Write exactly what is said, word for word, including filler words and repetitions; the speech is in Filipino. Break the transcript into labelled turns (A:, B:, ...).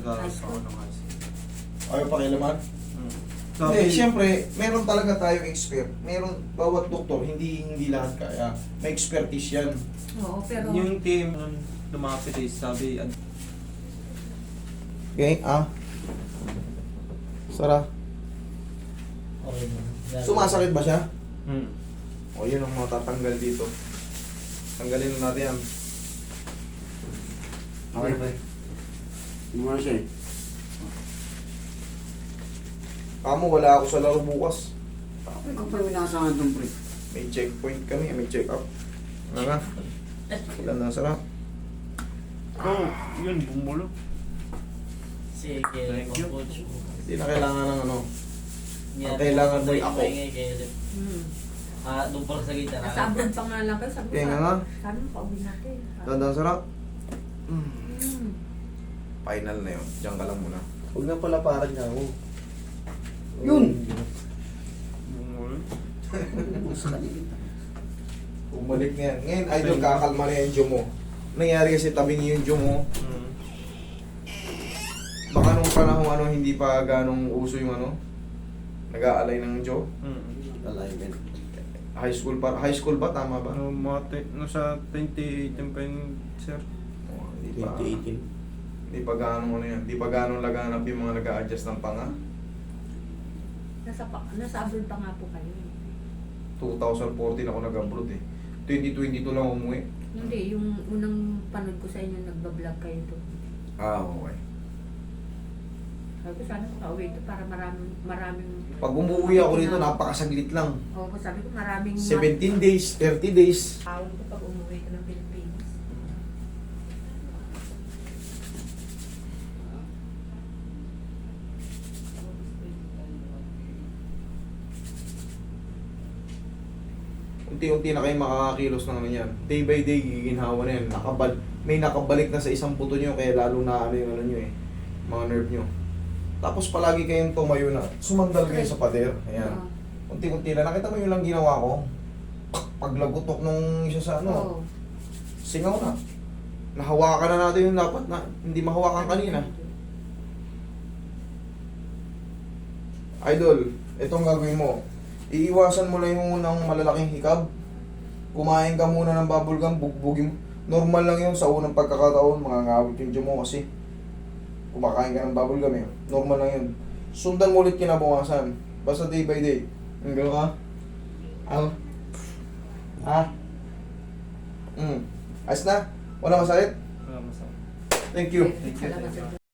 A: Nag-aaral pa ako ng high school.
B: Ayaw pakialaman?
A: Hmm.
B: Hindi, siyempre, meron talaga tayong expert. Meron, bawat doktor, hindi hindi lahat kaya. May expertise yan.
C: Oo, pero...
A: Yung team nung lumapit eh, sabi, ad-
B: Okay, ah. Sara.
D: Okay.
B: Sumasakit ba siya?
A: hmm.
B: O, yun ang matatanggal dito. Tanggalin na natin yan.
D: Okay ba? Hindi mo na siya eh.
B: Kamo, wala ako sa laro bukas.
D: Bakit ka pala minasangan itong pre?
B: May checkpoint kami, may check up. Ano nga? Ilan na, Sara?
A: Oh, yun, bumulo.
E: Sige,
A: Thank you.
E: coach.
B: Hindi na kailangan ng ano.
E: Yan,
B: Ang kailangan mo
E: tuloy
B: ako.
E: paingay kayo.
C: Hmm.
E: Ah, doon pa sa gitna.
C: Nasa abroad pa nga lang kayo. Sabi ko,
B: Kaya nga.
C: sabi mo, pauwi natin.
B: Tandaan, Sara?
C: Hmm.
B: Final na yun. Diyan ka lang muna.
D: Huwag na pala parang nga ako. Yun!
A: Bumulo.
D: Sa kanila.
B: Bumalik na yan. Ngayon, idol, kakalma na yung jaw mo. Nangyari kasi tabing yung jaw mo.
A: Hmm.
B: Baka nung panahon ano, hindi pa ganong uso yung ano, nag-aalay ng jaw.
A: Hmm.
D: Alignment.
B: High school pa, high school ba? Tama ba?
A: Ano, mga te- no, sa twenty eighteen pa yun, sir.
B: Oh, hindi pa.
D: twenty eighteen.
B: Hindi pa ganong ano yan. Hindi pa ganong laganap yung mga nag-a-adjust ng panga.
C: Nasa, pa, nasa abroad pa nga po kayo. eh.
B: twenty fourteen ako nag-abroad eh. twenty twenty-two lang umuwi.
C: Hindi, yung unang panood ko sa inyo, nagbablog kayo doon.
B: Ah, okay.
C: Sabi ko, sana makauwi ito para maraming, maraming...
B: Pag umuwi ako rito, napakasaglit lang.
C: Oo, sabi ko, maraming...
B: seventeen days, thirty days.
C: Tawag ko pag umuwi ko ng Pilipinas.
B: Unti-unti na kayo makakakilos ng ano yan. Day by day, giginhawa na yan. Nakabal may nakabalik na sa isang buto nyo, kaya lalo na ano yung ano nyo eh. Mga nerve nyo. Tapos palagi kayong tumayo na. Sumandal kayo sa pader. Ayan.
C: Oo.
B: Unti-unti na. Nakita mo yung lang ginawa ko? Paglagutok nung isa sa ano.
C: Oo.
B: Singaw na. Nahawakan na natin yung dapat na hindi mahawakan kanina. Idol, itong gagawin mo. Iiwasan mo lang yung unang malalaking hikab. Kumain ka muna ng bubble gum, bugbugin mo. Normal lang yun sa unang pagkakataon, mga ngawit yung tiyan mo kasi kumakain ka ng bubble gum eh. Normal lang yun. Sundan mo ulit kinabukasan. Basta day by day. Ang gano'n ka? Ang? Ha? Hmm. Ayos na? Wala masakit?
A: Wala masama.
B: Thank you.
A: Thank you,
C: Salamat
A: thank you.
C: sa